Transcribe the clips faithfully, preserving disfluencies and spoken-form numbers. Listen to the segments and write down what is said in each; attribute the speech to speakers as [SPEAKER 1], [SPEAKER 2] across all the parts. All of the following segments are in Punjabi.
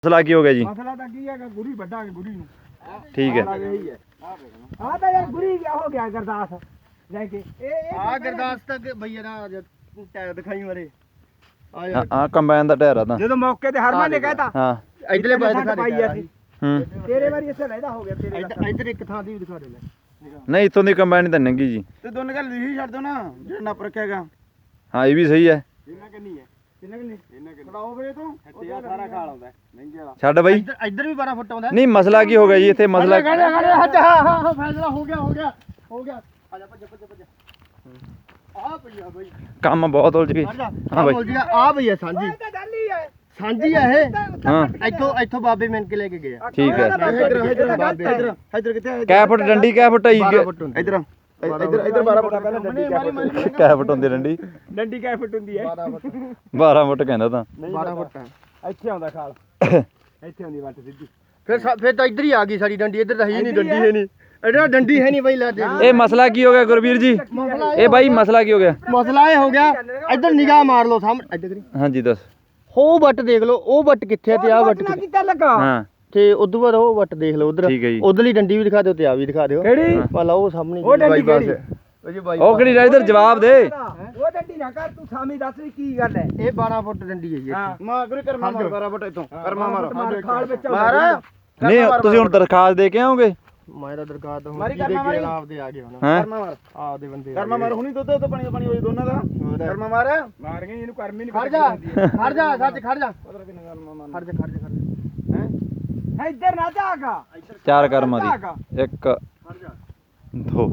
[SPEAKER 1] ਮਸਲਾ ਕੀ ਹੋ ਗਿਆ ਜੀ?
[SPEAKER 2] ਮਸਲਾ ਤਾਂ ਕੀ ਹੈਗਾ, ਗੁਰੀ ਵੱਢਾਂਗੇ ਗੁਰੀ ਨੂੰ।
[SPEAKER 1] ਠੀਕ ਹੈ।
[SPEAKER 2] ਆ ਤਾਂ ਯਾਰ ਗੁਰੀ ਕਿਆ ਹੋ ਗਿਆ ਗਰਦਾਸ ਲੈ ਕੇ ਇਹ
[SPEAKER 3] ਆ ਗਰਦਾਸ ਤੱਕ ਭਈਆ ਨਾ ਟਾਇਰ ਦਿਖਾਈ ਮਾਰੇ ਆ
[SPEAKER 1] ਹਾਂ ਆ ਕੰਬਾਈਨ ਦਾ ਟਾਇਰ ਆ ਤਾਂ
[SPEAKER 2] ਜਦੋਂ ਮੌਕੇ ਤੇ ਹਰਮਨ ਨੇ ਕਹਿਤਾ
[SPEAKER 1] ਹਾਂ
[SPEAKER 3] ਇਧਰਲੇ ਪਾਸੇ ਦਿਖਾ
[SPEAKER 2] ਪਾਈ
[SPEAKER 3] ਦੇ
[SPEAKER 2] ਸੀ
[SPEAKER 1] ਹੂੰ
[SPEAKER 2] ਤੇਰੇ ਵਾਰੀ ਇੱਥੇ ਲੈਦਾ ਹੋ ਗਿਆ ਤੇਰੇ
[SPEAKER 3] ਇੱਧਰ ਇੱਧਰ ਇੱਕ ਥਾਂ ਦੀ ਵੀ ਦਿਖਾ ਦੇ ਲੈ
[SPEAKER 1] ਨਹੀਂ ਇੱਥੋਂ ਦੀ ਕੰਬਾਈਨ ਤਾਂ ਨੰਗੀ ਜੀ।
[SPEAKER 3] ਤੇ ਦੋਨੇ ਗੱਲ ਲਿਖੀ ਛੱਡ ਦੋ ਨਾ ਜਿਹੜਾ ਨੱਪ ਰੱਖਿਆਗਾ
[SPEAKER 1] ਹਾਂ ਇਹ ਵੀ ਸਹੀ ਹੈ।
[SPEAKER 3] ਇਹਨਾਂ ਕਿੰਨੀ ਹੈ ਕਿੰਨਾ ਕਿੰਨੀ ਇਹਨਾਂ ਕਿੰਨੀ ਕਢਾਓ ਵੇ ਤੋਂ ਹੱਟਿਆ ਸਾਰਾ ਖਾਲ ਆਉਂਦਾ ਮਹਿੰਗੇ ਵਾਲਾ
[SPEAKER 1] ਛੱਡ ਬਈ।
[SPEAKER 3] ਇੱਧਰ ਇੱਧਰ ਵੀ ਬਾਰਾਂ ਫੁੱਟ ਆਉਂਦਾ
[SPEAKER 1] ਨਹੀਂ ਮਸਲਾ ਕੀ ਹੋ ਗਿਆ ਜੀ ਇੱਥੇ? ਮਸਲਾ
[SPEAKER 3] ਹਾਂ ਹਾਂ ਹਾਂ ਫੈਸਲਾ ਹੋ ਗਿਆ ਹੋ ਗਿਆ ਹੋ ਗਿਆ ਆ ਜਾ ਭੱਜ ਭੱਜ ਭੱਜ ਆ ਭਈਆ ਬਈ
[SPEAKER 1] ਕੰਮ ਬਹੁਤ ਉਲਝ ਗਏ। ਹਾਂ ਬਈ
[SPEAKER 3] ਆ ਭਈਆ ਸਾਂਝੀ
[SPEAKER 2] ਇਹ ਤਾਂ ਗੱਲ ਹੀ ਹੈ
[SPEAKER 3] ਸਾਂਝੀ ਆ ਇਹ
[SPEAKER 1] ਹਾਂ
[SPEAKER 3] ਇੱਥੋਂ ਇੱਥੋਂ ਬਾਬੇ ਮਿਲ ਕੇ ਲੈ ਕੇ ਗਏ ਆ
[SPEAKER 1] ਠੀਕ ਹੈ।
[SPEAKER 3] ਇੱਧਰ ਇੱਧਰ ਬਾਬੇ ਇੱਧਰ ਇੱਧਰ ਕਿੱਥੇ
[SPEAKER 1] ਕੈ ਫੁੱਟ ਡੰਡੀ ਕੈ ਫੁੱਟ ਆਈ?
[SPEAKER 3] ਇੱਧਰ ਇੱਧਰ ਇੱਧਰ ਬਾਰਾਂ ਫੁੱਟ ਪਹਿਲਾਂ ਡੰਡੀ
[SPEAKER 1] ਕੈ ਫੁੱਟ ਹੁੰਦੀ ਡੰਡੀ?
[SPEAKER 2] ਡੰਡੀ ਕਿਆ ਫੁੱਟ ਹੁੰਦੀ ਹੈ?
[SPEAKER 3] ਬਾਰਾਂ ਫੁੱਟ
[SPEAKER 1] ਬਾਰਾਂ ਫੁੱਟ ਕਹਿੰਦਾ ਤਾਂ।
[SPEAKER 3] ਬਾਰਾਂ ਫੁੱਟ
[SPEAKER 2] ਇੱਥੇ ਆਉਂਦਾ ਖਾਲ ਇੱਥੇ ਆਉਂਦੀ ਵੱਟ ਸਿੱਧੀ।
[SPEAKER 3] ਫਿਰ ਫਿਰ ਤਾਂ ਇੱਧਰ ਹੀ ਆ ਗਈ ਸਾਡੀ ਡੰਡੀ, ਇੱਧਰ ਤਾਂ ਹੈ ਨਹੀਂ ਡੰਡੀ ਹੈ ਨਹੀਂ ਇੱਧਰ ਡੰਡੀ ਹੈ ਨਹੀਂ ਬਈ ਲੈ ਦੇ
[SPEAKER 1] ਇਹ ਮਸਲਾ ਕੀ ਹੋ ਗਿਆ ਗੁਰਵੀਰ ਜੀ? ਇਹ ਬਾਈ ਮਸਲਾ ਕੀ ਹੋ ਗਿਆ?
[SPEAKER 3] ਮਸਲਾ ਇਹ ਹੋ ਗਿਆ ਇੱਧਰ ਨਿਗਾਹ ਮਾਰ ਲਓ ਸਾਹਮਣੇ ਇੱਧਰ ਕਰੀ
[SPEAKER 1] ਹਾਂਜੀ ਦੱਸ।
[SPEAKER 3] ਉਹ ਵੱਟ ਦੇਖ ਲਓ, ਉਹ ਵੱਟ ਕਿੱਥੇ ਤੇ ਆ ਵੱਟ ਕਿੱਥੇ
[SPEAKER 2] ਕਿੱਦਾਂ ਲੱਗਾ?
[SPEAKER 1] ਹਾਂ
[SPEAKER 3] ਤੇ ਉਦੋਂ ਬਾਅਦ ਉਹ ਵੱਟ ਦੇਖ ਲਓ ਉਧਰ
[SPEAKER 1] ਠੀਕ ਹੈ ਜੀ।
[SPEAKER 3] ਉਧਰਲੀ ਡੰਡੀ ਵੀ ਦਿਖਾ ਦਿਓ ਤੇ ਆ ਵੀ ਦਿਖਾ ਦਿਓ
[SPEAKER 2] ਕਿਹੜੀ?
[SPEAKER 3] ਭਲਾ ਉਹ ਸਾਹਮਣੇ
[SPEAKER 2] ਉਹ ਡੰਡੀ
[SPEAKER 3] ਬਾਈਪਾਸ
[SPEAKER 2] ਕਿਹੜੀ?
[SPEAKER 3] ਉਹ ਜੀ ਬਾਈ
[SPEAKER 1] ਉਹ ਕਿਹੜੀ ਇਧਰ ਜਵਾਬ ਦੇ।
[SPEAKER 2] ਉਹ ਡੰਡੀ ਨਾ ਕਰ ਤੂੰ ਸਾਮੀ ਦੱਸ ਵੀ ਕੀ ਗੱਲ ਹੈ।
[SPEAKER 3] ਇਹ ਬਾਰਾਂ ਫੁੱਟ ਡੰਡੀ ਹੈ ਜੀ
[SPEAKER 2] ਹਾਂ।
[SPEAKER 3] ਮਾਰ ਗੁਰੂ ਕਰਮਾ ਮਾਰ ਬਾਰਾਂ ਫੁੱਟ ਇਥੋਂ ਕਰਮਾ ਮਾਰ
[SPEAKER 2] ਖਾਲ ਵਿੱਚ
[SPEAKER 3] ਮਾਰ
[SPEAKER 1] ਨਹੀਂ ਤੁਸੀਂ ਹੁਣ ਦਰਖਾਸਤ ਦੇ ਕੇ ਆਓਗੇ?
[SPEAKER 3] ਮੈਂ ਤਾਂ ਦਰਗਾਹ ਤੋਂ
[SPEAKER 2] ਮਾਰੀ ਕਰਮਾ ਮਾਰੀ
[SPEAKER 3] ਆਪਦੇ ਆ ਗਏ ਹੁਣ
[SPEAKER 1] ਹੈਂ?
[SPEAKER 3] ਕਰਮਾ ਮਾਰ ਆਪਦੇ ਬੰਦੇ
[SPEAKER 2] ਕਰਮਾ ਮਾਰ ਹੁਣੀ ਦੁੱਧ ਤੋਂ ਪਾਣੀ ਪਾਣੀ ਹੋਈ ਦੋਨਾਂ ਦਾ।
[SPEAKER 3] ਕਰਮਾ ਮਾਰ
[SPEAKER 2] ਮਾਰ ਗਏ ਇਹਨੂੰ ਕਰਮੀ ਨਹੀਂ
[SPEAKER 3] ਖੜ ਜਾ ਖੜ ਜਾ ਸੱਚ ਖੜ ਜਾ ਖੜ ਜਾ ਖੜ ਜਾ ਖੜ ਜਾ ਹੈ
[SPEAKER 2] ਹੈ ਇੱਧਰ ਨਾ ਜਾਗਾ
[SPEAKER 1] ਚਾਰ ਕਰਮਾਂ ਦੀ। ਇੱਕ
[SPEAKER 3] ਖੜ ਜਾ
[SPEAKER 1] ਦੋ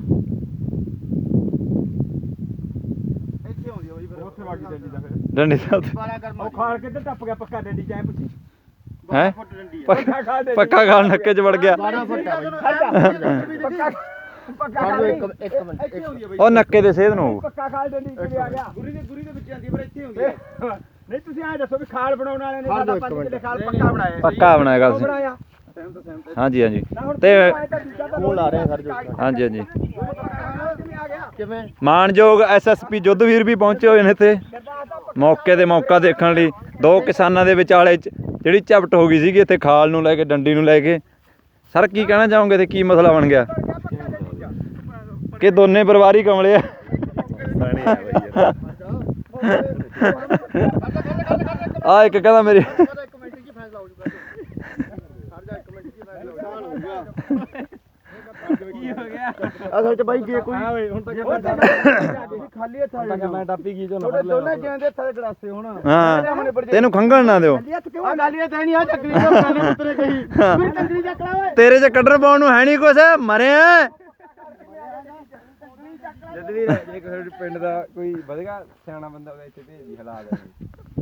[SPEAKER 3] ਇੱਥੇ ਆਉਂਦੀ ਆ ਬਈ ਫਿਰ
[SPEAKER 2] ਉੱਥੇ ਵਾਗੀ ਡੰਡੀ ਦਾ ਫਿਰ
[SPEAKER 1] ਡੰਡੀ ਦਾ
[SPEAKER 3] ਬਾਰਾਂ ਕਰਮਾ
[SPEAKER 2] ਉਹ ਖਾਲ ਕਿੱਧਰ ਟੱਪ ਗਿਆ ਪੱਕਾ ਡੰਡੀ ਚਾਹੇ ਪੁੱਛੀ
[SPEAKER 1] ਹੈ
[SPEAKER 3] ਫੁੱਟ ਡੰਡੀ ਹੈ
[SPEAKER 2] ਪੱਕਾ ਖਾ ਦੇ
[SPEAKER 1] ਪੱਕਾ ਖਾਲ ਨੱਕੇ ਚ ਵੜ ਗਿਆ।
[SPEAKER 3] ਬਾਰਾਂ ਫੁੱਟ ਆ ਬਈ
[SPEAKER 2] ਪੱਕਾ ਪੱਕਾ
[SPEAKER 3] ਖੜ
[SPEAKER 2] ਖਾ
[SPEAKER 3] ਜਾ
[SPEAKER 2] ਦੇ।
[SPEAKER 3] ਇੱਕ ਇੱਕ ਮਿੰਟ
[SPEAKER 2] ਇੱਥੇ ਹੁੰਦੀ ਹੈ ਬਈ
[SPEAKER 1] ਉਹ ਨੱਕੇ ਦੇ ਸੇਧ ਨੂੰ।
[SPEAKER 2] ਪੱਕਾ ਖਾਲ ਡੰਡੀ ਕਿਵੇਂ ਆ ਗਿਆ?
[SPEAKER 3] ਗੁਰੀ ਦੇ ਗੁਰੀ ਦੇ ਵਿੱਚ ਆਂਦੀ ਪਰ ਇੱਥੇ ਹੁੰਦੀ ਹੈ
[SPEAKER 2] ਨਹੀਂ ਤੁਸੀਂ ਐਂ ਦੱਸੋ ਵੀ ਖਾਲ ਬਣਾਉਣ ਵਾਲਿਆਂ ਨੇ
[SPEAKER 3] ਖੜ
[SPEAKER 2] ਸਾਡਾ
[SPEAKER 3] ਜਾਓ ਇੱਕ
[SPEAKER 2] ਪੰਜ
[SPEAKER 3] ਮਿੰਟ।
[SPEAKER 2] ਕਿਲੇ ਖਾਲ ਪੱਕਾ ਬਣਾਇਆ
[SPEAKER 1] ਪੱਕਾ ਬਣਾਇਆ ਗੱਲ
[SPEAKER 2] ਉਹ
[SPEAKER 1] ਸੀ।
[SPEAKER 2] ਬਣਾਇਆ
[SPEAKER 1] ਹਾਂਜੀ ਹਾਂਜੀ
[SPEAKER 2] ਨਾ ਹੁਣ
[SPEAKER 1] ਤੇ
[SPEAKER 3] ਫੋਨ ਲਾ ਰਹੇ ਖੜ ਜਾ
[SPEAKER 1] ਹਾਂਜੀ ਹਾਂਜੀ
[SPEAKER 2] ਕਿਵੇਂ ਆ ਗਿਆ?
[SPEAKER 3] ਕਿਵੇਂ
[SPEAKER 1] ਮਾਨਯੋਗ ਐਸਐਸਪੀ ਜੁੱਧਵੀਰ ਵੀ ਪਹੁੰਚੇ ਹੋਏ ਨੇ ਇੱਥੇ ਮੌਕੇ ਤੇ ਮੌਕਾ ਦੇਖਣ ਲਈ। ਦੋ ਕਿਸਾਨਾਂ ਦੇ ਵਿਚਾਲੇ ਚ ਜਿਹੜੀ ਝਪਟ ਹੋ ਗਈ ਸੀਗੀ ਇੱਥੇ ਖਾਲ ਨੂੰ ਲੈ ਕੇ ਡੰਡੀ ਨੂੰ ਲੈ ਕੇ। ਸਰ ਕੀ ਕਹਿਣਾ ਚਾਹੋਗੇ ਤੇ ਕੀ ਮਸਲਾ ਬਣ ਗਿਆ? ਕਿ ਦੋਨੇ ਪਰਿਵਾਰ ਹੀ ਕਮਲੇ ਆ? ਆ ਇੱਕ ਕਹਿੰਦਾ ਮੇਰੀ
[SPEAKER 3] ਇੱਕ ਮਿੰਟ ਕੀ ਫੈਸਲਾ ਹੋ ਜੂਗਾ ਖੜ ਜਾ ਇੱਕ ਮਿੰਟ ਕੀ ਫੈਸਲਾ ਹੋ ਜੂਗਾ
[SPEAKER 2] ਕੀ ਹੋ ਗਿਆ?
[SPEAKER 3] ਅਸਲ ਚ ਬਾਈ ਜੇ ਕੋਈ
[SPEAKER 2] ਹਾਂ ਓਏ ਹੁਣ ਤਾਂ
[SPEAKER 3] ਖਾਲੀ ਹੱਥ ਆ ਜਾ
[SPEAKER 2] ਮੈਂ ਟਾਪੀ ਕੀ
[SPEAKER 3] ਤੁਹਾਡੇ ਦੋਨੇ ਜਿਉਂਦੇ ਹੱਥਾਂ ਦੇ ਗਲਾਸੇ ਹੁਣ
[SPEAKER 1] ਹਾਂ ਤੈਨੂੰ ਖੰਗਣ ਨਾ ਦਿਓ।
[SPEAKER 3] ਆ ਗਾਲੀਆਂ ਤਾਂ ਨਹੀਂ ਆ ਚੱਕਰੀ ਦਾ ਗਾਲੀ ਉਤਰੇ ਗਈ ਫਿਰ ਟੰਗਰੀ ਚੱਕ ਲਾ ਓਏ
[SPEAKER 1] ਤੇਰੇ ਚ ਕੱਢਣ ਪਾਉਣ ਨੂੰ ਹੈ ਨਹੀਂ ਕੁਛ, ਮਰਿਆ।
[SPEAKER 2] ਜਦ ਵੀ ਜੇ ਕੋਈ ਪਿੰਡ ਦਾ ਕੋਈ ਵਧੇਗਾ ਸਿਆਣਾ ਬੰਦਾ ਉਹਦੇ ਇੱਥੇ ਭੇਜ ਦੀ ਹਾਲਾਤ